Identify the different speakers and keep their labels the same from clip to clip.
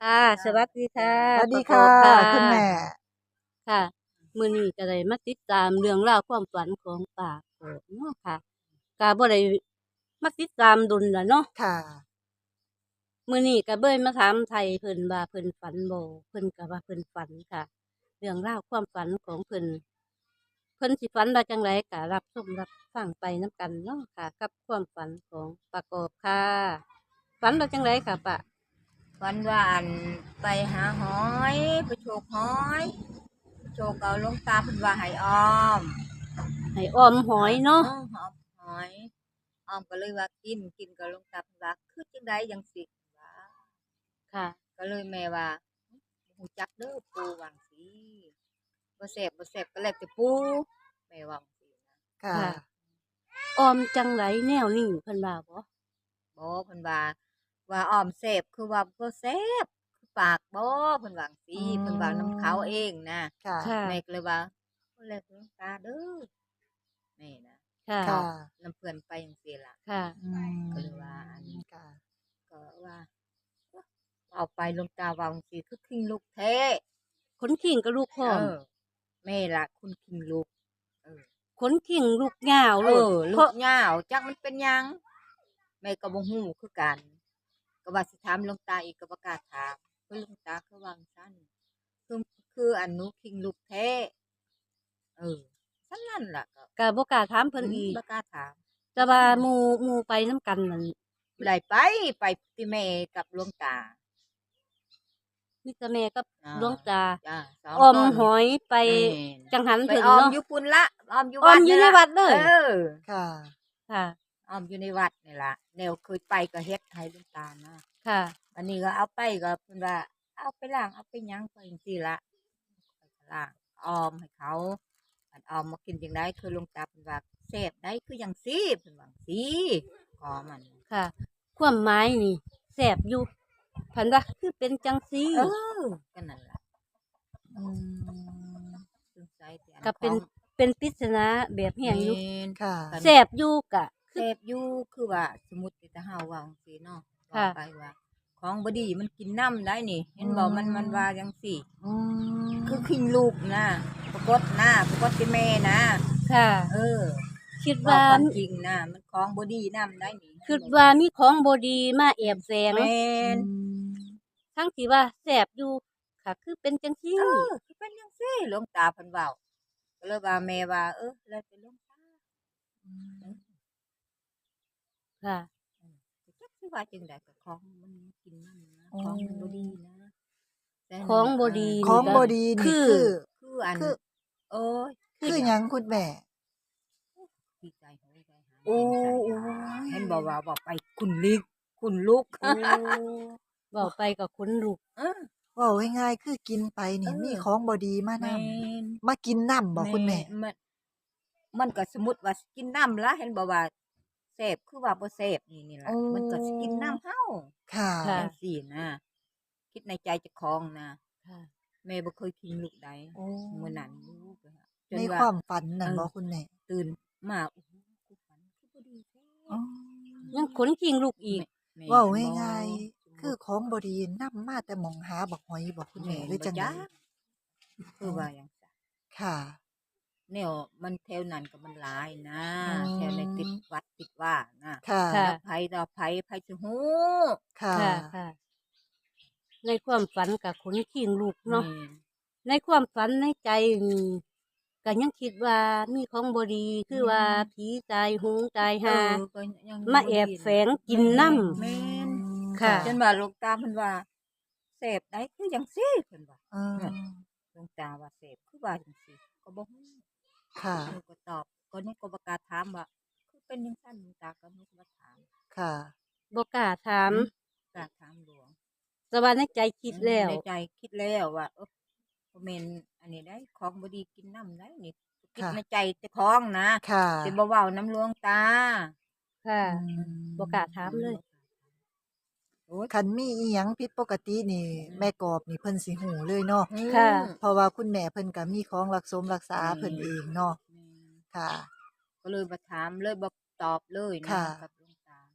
Speaker 1: ค่ะสวัสดีค่ะ
Speaker 2: สวัส
Speaker 1: ป
Speaker 2: ดี
Speaker 1: ระก
Speaker 2: ค่ะ
Speaker 1: อบค่
Speaker 2: คุณแม่
Speaker 1: ะค่ะมื้อนี้ก็ได้มาติดตามเรื่องราวความฝันของป้าโกบเนาะค่ะก็บ่ได้มาติดตามดนแล้วเนาะ
Speaker 2: ค่ะ
Speaker 1: มื้อนี้ก็เบิ่มาถามไทยเพิ่นว่าเพิ่นฝันบ่เพิ่นก็ว่าเพิ่นฝันค่ะ เรื่องราวความฝันของเพิ่นสิฝันว่าจังไดก็รับชมรับฟังไปนํกันเนาะค่ะ กับความฝันของป้าโกบค่ะฝันว่าจังไดค่ะป้า
Speaker 3: วันว่าอันไปหาหอยไปโชกหอยโชกเอาหลวงตาเพิ่นว่าให้ออม
Speaker 1: ให้ออมหอยเนาะ
Speaker 3: หอมหอยออมก็เลยว่ากินกับหลวงตาเพิ่นว่าคือจังไดจังสิว่า
Speaker 1: ค่ะ
Speaker 3: ก็เลยแม่ว่าบ่ฮู้จักเด้อปู่ว่าจั่งซี้บ่แซ่บก็แล้วแต่ปู่แม่ว่าจั่งซี้นะ
Speaker 2: ค่ะ
Speaker 1: ค่ะ ออมจังไดแนวนี้เพิ่นว่าบ่
Speaker 3: บ่เพิ่นว่าออมแซ่บคือว่าบ่แซ่บคือปากบ่เพิ่นว่าจั่ง
Speaker 2: อื
Speaker 3: ซี้เพิ่นว่านํเขาเอ
Speaker 2: ม
Speaker 3: งนะ
Speaker 2: ค่ะ
Speaker 1: ค่ะ
Speaker 3: แม่ก็เลยว่าก็แล้วแต่หลวงตาเด้อ นี่นะ
Speaker 1: ค่ะ
Speaker 3: บ
Speaker 2: ค่ะ
Speaker 3: อกลำเพื่อนไปจังซี่ล่ะ
Speaker 1: ค่ะ
Speaker 2: อื
Speaker 3: ก็เลยว่าอัน
Speaker 2: มค่ะ
Speaker 3: ก็ว่าเอาไปหลวงตาว่าจั่งซี้คือขิงลูกแท้
Speaker 1: ขนขิงกับลูกพร้
Speaker 3: เอ
Speaker 1: อม
Speaker 3: อแม่ล่ะคุณขิงลูกเออ
Speaker 1: ขนขิงลูกยาวโลด
Speaker 3: ลู
Speaker 1: เพราะ
Speaker 3: กยาวจักมันเป็นหยังแม่ก็บ่ฮู้คือกันก็ว่าสิถามหลวงตาอีกก็บ่กล้าถามเพราะหลวงตาคือว่าจั่งซั้นคืออันหนูขิงลูกแท้เออซั้นนั่นล่ะก็
Speaker 1: ก็บ่กล้าถามเพิ่นอีก
Speaker 3: บ่กล้าถาม
Speaker 1: แต่ว่าหมู่ไปนำกันนั่น
Speaker 3: ได้ไปติแม่กับหลวงตา
Speaker 1: มีแต่แม่กับ
Speaker 3: อา
Speaker 1: หลวงตา
Speaker 3: จ้ะ2
Speaker 1: ออม
Speaker 3: คน
Speaker 1: หอยไป
Speaker 3: แม่น
Speaker 1: จังหัน
Speaker 3: ไป
Speaker 1: เพิ่น
Speaker 3: ออม
Speaker 1: เนาะ
Speaker 3: อยู่พุ่นละออมอยู่
Speaker 1: ออมอยู่ใน
Speaker 3: วัดนี่ล่ะ
Speaker 1: วัดเลย
Speaker 2: ค่ะ
Speaker 1: ค่ะ
Speaker 3: ออมอยู่ในวัดนี่ล่ะแนวเคยไปก็เฮ็ดให้หลวงตานะ
Speaker 1: ค่ะ
Speaker 3: อันนี้ก็เอาไปก็เพิ่นว่าเอาไปล้างเอาไปหยังไปจังซี่ล่ะข้อยก็ล้างออมให้เขาอันออมมากินจั่งใดคือหลวงตาเพิ่นว่าแซ่บได้คือหยังซี้เพิ่นว่าจั่งซี้ขอมัน
Speaker 1: ค่ะ ความหมายนี่แซ่บอยู่เพิ่นว่าคือเป็นจังซี่
Speaker 3: เออก็นั่นล่ะ
Speaker 2: อืม
Speaker 3: สงสัยแต่อัน
Speaker 1: ก็
Speaker 3: ของ
Speaker 1: เป็นปริศนาแบบแฮงอยู่
Speaker 3: แม่น
Speaker 2: ค่ะ
Speaker 3: กัน
Speaker 1: แซ่บอยู่ก็
Speaker 3: เสพอยู่คือว่าสมมุติแต่เฮาเว้าจังซี่เนาะเว้า
Speaker 1: ค่ะ
Speaker 3: ไปว่าของบ่ดีมันกินน้ำได้นี่ เห็นบ่มันว่าจังซี่
Speaker 2: อืม
Speaker 3: คือขิงลูกนะปรากฏนะปรากฏเป็นแม่นะ
Speaker 1: ค่ะ
Speaker 3: เออ
Speaker 1: คิด
Speaker 3: เว้า
Speaker 1: ว่า
Speaker 3: ความจริงนะมันของบ่ดีน้ำได้นี่เห็น
Speaker 1: คิด
Speaker 3: บ่
Speaker 1: ว่ามีของบ่ดีมาแอบแฝง
Speaker 3: แม่
Speaker 2: อื
Speaker 3: น
Speaker 2: ม
Speaker 1: ทั้งที่ว่าแซ่บอยู่ค่ะคือเป็นจังซี่
Speaker 3: คือเป็นจังซี่หลวงตาเพิ่นเว้าก็เลยว่าแม่ว่าแล้วแต่หลวงตาเออ
Speaker 1: ค่ะ
Speaker 3: ก็จักสิว่าจังใดก็ของมันกินน้ำนะ
Speaker 2: อ๋อ
Speaker 3: ของมันบ่ดีนะแต่
Speaker 1: ข
Speaker 3: นั่นน่ะ
Speaker 1: องบ่ดี
Speaker 2: ของ
Speaker 1: นี่ก็
Speaker 2: บ่ดีนี่
Speaker 1: คือ
Speaker 3: คืออัน
Speaker 2: คือ
Speaker 3: โอ๊ย
Speaker 2: คือหยังคุณแม่
Speaker 3: ดีใจโหยใจหาย
Speaker 2: โอ้
Speaker 3: ใจ
Speaker 2: โอ้
Speaker 3: สั่น
Speaker 2: ย
Speaker 3: เห็นบอกว่าบอกไปคุณลุก
Speaker 2: โอ้
Speaker 1: เว้าไปก็ขนลุก
Speaker 3: เออ
Speaker 2: เว้าง่ายๆคือกินไป
Speaker 3: เอ
Speaker 2: นี่มี
Speaker 3: อ
Speaker 2: ของบ่ดีมา
Speaker 3: แม
Speaker 2: นำ
Speaker 3: น
Speaker 2: มากินนำบ่
Speaker 3: แม
Speaker 2: คุณแม่
Speaker 3: นมันก็สมมุติว่าสิกินน้ำละเห็นบอกว่าเสพคือว่าบ่เสพนี่
Speaker 2: โอ้
Speaker 3: ล่ะมันก็สิกินน้ำเฮา
Speaker 2: ค่ะ
Speaker 1: ค่ะ
Speaker 3: จังซี่นะคิดในใจเจ้าของนะ
Speaker 1: ค่ะ
Speaker 3: แม่บ่เคยทิ้งลูกใด
Speaker 2: โอ้
Speaker 3: มื้อนั้นลูกอะจ
Speaker 2: ใน
Speaker 3: นว่า
Speaker 2: ความฝันนั่
Speaker 3: เออ
Speaker 2: นบ่คุณแม่
Speaker 3: ตื่นมาโอ้โฮคือฝันคือบ่ดีแท้
Speaker 2: อ๋อ
Speaker 1: ยังขนขิงลุกอีก
Speaker 3: แม่
Speaker 2: เว้า
Speaker 3: เห็นบ่
Speaker 2: ง่าย
Speaker 3: สม
Speaker 2: ๆคือ
Speaker 3: มุติ
Speaker 2: ของบ่ดีนำมาแต่หม้องหาบักหอยบ่คุณ
Speaker 3: แม่
Speaker 2: แม่หรือ
Speaker 3: นบ่
Speaker 2: จั่งใด
Speaker 3: จักคื
Speaker 2: อ๋อ
Speaker 3: อว่าหยังซั้น
Speaker 2: ค่ะ
Speaker 3: แนวมันแถวนั้นก็มันหลายนะ
Speaker 2: อื
Speaker 3: แถวในติด
Speaker 2: ม
Speaker 3: วัดติดว่านะ
Speaker 2: ค่ะ
Speaker 1: ค่ะ
Speaker 3: แล้วไผต่อไผสิฮู้
Speaker 2: ค่ะ
Speaker 1: ค่ะค่ะในความฝันก็ขนขิงลุกเนาะ
Speaker 3: แม่น
Speaker 1: ในความฝันในใจนี่ก็ยังคิดว่ามีของบดีคือว่าผีตายโหงตายหา
Speaker 3: ก็ยัง
Speaker 1: มา
Speaker 3: บ่
Speaker 1: แอบแฝ
Speaker 3: ดีนะ
Speaker 1: งกินน้
Speaker 3: แม่น
Speaker 1: ำ
Speaker 2: ค่ะ
Speaker 1: ค่ะ
Speaker 3: จนว่าหลวงตาเพิ่นว่าเสพได้คือจังซี่เพิ่นว่า
Speaker 2: เออ
Speaker 3: หลวงตาว่าเสพคือว่าจังซี่ก็บ่ฮู้
Speaker 2: ค่ะ
Speaker 3: ก็ตอบก็นี่ก็บ่กล้าถามว่าคือเป็นจังซั่นหลวงตาก็บ่กล้าถาม
Speaker 2: ค่ะ
Speaker 1: บกล้าถาม
Speaker 3: กล้าถามหลวง
Speaker 1: แต่ว่าในใจคิดแล้ว
Speaker 3: ในใจคิดแล้วว่าบ่แม่นอันนี้ได้ของบ่ดีกินน้ำได้นี่คิด
Speaker 2: ค่ะ
Speaker 3: ในใจเจ้าของนะ
Speaker 2: ค่ะ
Speaker 3: สิบ่เว้าน้ำหลวงตา
Speaker 1: ค่ะ
Speaker 2: อื
Speaker 1: บกล้า
Speaker 2: ม
Speaker 1: ถามเลย
Speaker 3: โอ๊ย
Speaker 2: คันมีอิหยังผิดปกตินี่แม่กอบนี่เพิ่นสิฮู้เลยเนาะ
Speaker 1: ค่ะ
Speaker 2: เพราะว่าคุณแม่เพิ่นก็มีของรักสมรักษา
Speaker 3: แม่
Speaker 2: เพิ่นเองเนาะ
Speaker 3: แม่
Speaker 2: ค่ะ
Speaker 3: ก็เลยบ่ถามเลยบ่ตอบเลยนะ
Speaker 2: ค่ะ
Speaker 3: กับหลวงตา
Speaker 2: อื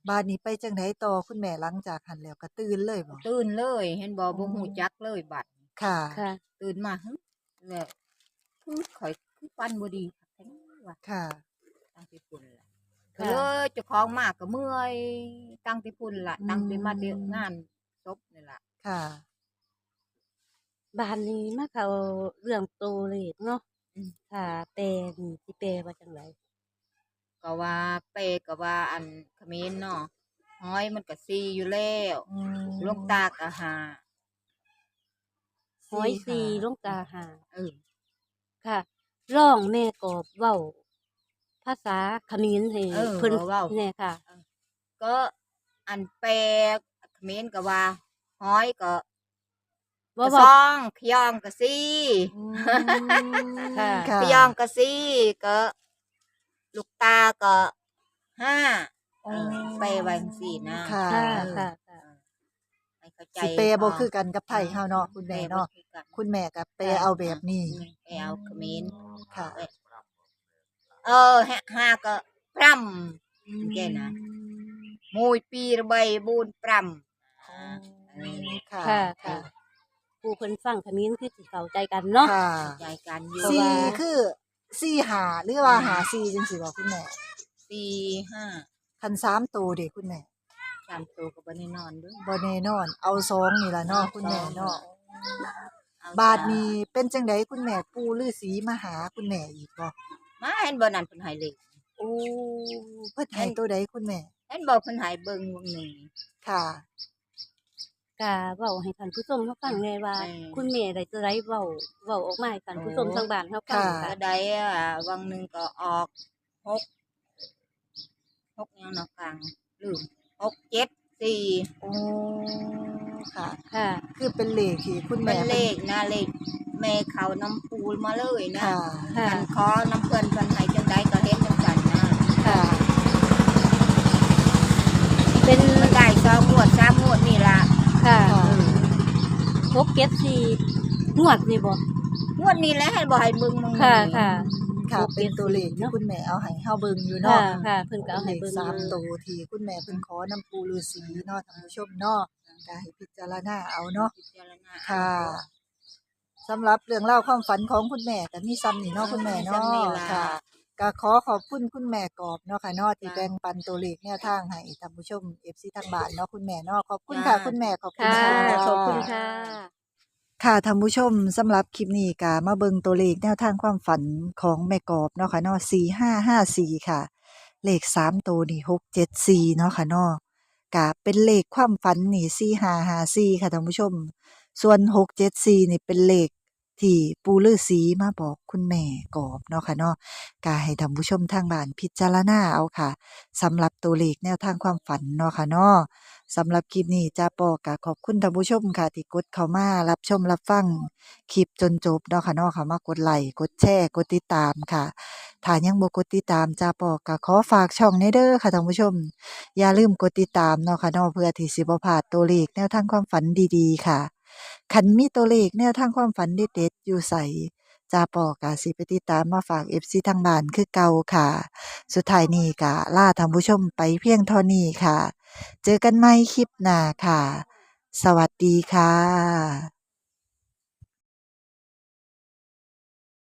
Speaker 2: บาดนี้ไปจังไดต่อคุณแม่หลังจากหันแล้วก็ตื่นเลยบ่
Speaker 3: ตื่นเลยเห็นบ่บ่ฮู้จักเลยบัดนี้
Speaker 2: ค่ะ
Speaker 1: ค่ะ
Speaker 3: ตื่นมาหึแล้วคือข่อยคือฟันบ่ดีคักแท้ว่า
Speaker 2: ค่ะ
Speaker 3: ตั้งแต่พุ่นล่ะก็
Speaker 1: ค่ะ
Speaker 3: เลยเจ้าของมาก็เมื่อยตั้งแต่พุ่นล่ะ
Speaker 2: อืม
Speaker 3: ตั้งแต่มาเดะงานศพนี่ล่ะ
Speaker 2: ค่ะ
Speaker 1: บ้านนี้มาเข้าเรื่องตัวเลขเนาะ
Speaker 3: อืม
Speaker 1: ค่ะแปลนี่สิแปลว่าจังได
Speaker 3: ก็ว่าเปก็ว่าอันเขมรเนาะห้อยมันก็4อยู่แล้ว
Speaker 2: อืม
Speaker 3: หลวงตาก็ห้า
Speaker 1: ห้อยสี่
Speaker 2: ค่ะ
Speaker 1: หลวงตาห้า
Speaker 3: เออ
Speaker 1: ค่ะร้องแม่กอบเว้า ภาษาเขมรให้
Speaker 3: เออ
Speaker 1: เพิ่น
Speaker 3: เว้า
Speaker 1: แน่ค่ะ
Speaker 3: ก็อันแปลเขมรก็ว่าห้อยก็
Speaker 1: ว่า
Speaker 3: ก็
Speaker 1: เว้า
Speaker 3: ซองขยองก็4
Speaker 2: อืม
Speaker 1: ค่ะ
Speaker 2: ค่ะ
Speaker 3: ขยองก็4ก็ลูกตาก็ห้า
Speaker 2: อ๋อ
Speaker 3: แปลว่าจังซี่นะ
Speaker 2: ค่ะ
Speaker 1: ค่ะ
Speaker 3: เออ
Speaker 1: ค่ะ
Speaker 3: ให้เข้าใจ
Speaker 2: สิแปลบ่
Speaker 3: พ
Speaker 2: คือกันกับไทยเฮาเนาะคุณแม่เนาะ
Speaker 3: แปลบ่คือกัน
Speaker 2: คุณแม่ก็แปลเอาแบบนี้
Speaker 3: แปลเอาเขมร
Speaker 2: ค่ะ
Speaker 3: ห้าก็พร่ำแกนะมวยปีระใบบูนปร่ำ
Speaker 2: ค่ะ
Speaker 1: ค่ะ ค่ะ ผู้เพิ่นฟังเขมรคือสิเข้าใจกันเนาะ
Speaker 2: ค่ะ
Speaker 3: ใจกันอยู่
Speaker 1: เพราะ
Speaker 2: สี่
Speaker 1: ว่า
Speaker 2: คือสี่หาหรือว่าหาสี่จังซี่บ่คุณแม่
Speaker 3: 4 5
Speaker 2: คัน3ตัวเด้คุณแม่
Speaker 3: 3ตัวก็บ่ได้นอนเด้อ
Speaker 2: บ่แน่นอน เอา2นี่ล่ะเนาะคุณแม่เนาะ
Speaker 3: เอา
Speaker 2: บาดนี้เป็นจังไดคุณแม่ปู่ฤาษีมาหาคุณแม่อีกบ่
Speaker 3: มาเห็นบ่นั่นเพิ่นให้เลข
Speaker 2: โอ้เพิ่นให้ตัวใดคุณแม่
Speaker 3: เห็นบ่เพิ่นให้เบิ่งวงหนึง
Speaker 2: ค่ะ
Speaker 1: ก็เว้าให้ท่านผู้ชมเขาฟังแน่ว่า
Speaker 3: อืม
Speaker 1: คุณแม่ได้ตัวใดเว้าออกมาให้ท่านผู้ชมทางบ้านเขาฟัง
Speaker 2: ค่ะ
Speaker 1: ค่ะ
Speaker 3: ก็ได้วังหนึงก็ออก6ยังเนาะกลางลืม6 7 4
Speaker 2: โอ้ค่ะ
Speaker 1: ค่ะ
Speaker 2: คือเป็นเลขที่คุณ
Speaker 3: เป็
Speaker 2: แม่
Speaker 3: นเลขนะเลขแม่เขาน้ำปูมาเลยนะ
Speaker 2: ค่ะ
Speaker 1: ค่ะ
Speaker 3: มันขอน้ำเพิ่นเพิ่นให้จังไดก็เฮ็ดจังซั่นนะ
Speaker 2: ค่ะ
Speaker 1: เป็น
Speaker 3: มันได้2งวด3งวดนี่ล่ะ
Speaker 1: ค่ะ
Speaker 2: ค่ะ
Speaker 1: 674งวดนี่บ่
Speaker 3: งวดนี้แหละให้บ่ให้เบิ่งมึง
Speaker 1: ค่ะ ค่ะ
Speaker 2: ค่ะ
Speaker 1: โอเค
Speaker 2: เป็นตัวเลขที่
Speaker 1: เนาะ
Speaker 2: คุณแม่เอาให้เฮาเบิ่งอยู่
Speaker 1: ค่ะ
Speaker 2: เนาะ
Speaker 1: ค่ะ เพิ่นก็เอาให้
Speaker 2: เลข
Speaker 1: เบิ่ง
Speaker 2: สาม
Speaker 1: อยู่
Speaker 2: ตัวที่คุณแม่เพิ่นขอน้ำปูฤาษีเนาะท่านผู้ชมเนาะก็ให้พิจารณาเอาเนาะ
Speaker 3: พิจารณา
Speaker 2: ค่ะสำหรับเรื่องเล่าวความฝันของคุณแม่ก็มีซ้ำนี่เนาะคุณแม่เนาะค่ะก็ขอขอบคุณคุณแม่กอบเนาะค่ะเนาะที่แบ่งปันตัวเลขแนวทางให้ท่านผู้ชม FC ทางบ้านเนาะคุณแม่เนาะขอบคุณค่ะคุณแม่ขอบคุณ
Speaker 1: ค่ะ
Speaker 2: ค่ะ
Speaker 1: ขอบคุณค่ะ
Speaker 2: ค่ะท่านผู้ชมสำหรับคลิปนี้ก็มาเบิ่งตัวเลขแนวทางความฝันของแม่กอบเนาะค่ะเนาะ4554ค่ะ เลข3ตัวนี่674เนาะค่ะเนาะก็เป็นเลขความฝันนี่4554ค่ะท่านผู้ชม ส่วน674นี่เป็นเลขที่ปู่ฤาษีมาบอกคุณแม่กอบเนาะค่ะเนาะก็ให้ท่านผู้ชมทางบ้านพิจารณาเอาค่ะสำหรับตัวเลขแนวทางความฝันเนาะค่ะเนาะสำหรับคลิปนี้จ้าปอก็ขอบคุณท่านผู้ชมค่ะที่กดเข้ามารับชมรับฟังคลิปจนจบเนาะค่ะเนาะค่ะมากดไลค์กดแชร์กดติดตามค่ะถ้ายังบ่กดติดตามจ้าปอก็ขอฝากช่องนี้เด้อค่ะท่านผู้ชม อย่าลืมกดติดตามเนาะค่ะเนาะเพื่อที่สิบ่พลาดตัวเลขแนวทางความฝันดีๆค่ะคันมีตัวเลขแนวทางความฝันเด็ดๆอยู่ไสจ้าปอกะสิไปติดตามมาฝาก FC ทางบ้านคือเก่าค่ะ สุดท้ายนี้ก็ลาท่านผู้ชมไปเพียงเท่านี้ค่ะ เจอกันใหม่คลิปหน้าค่ะ สวัสดีค่ะ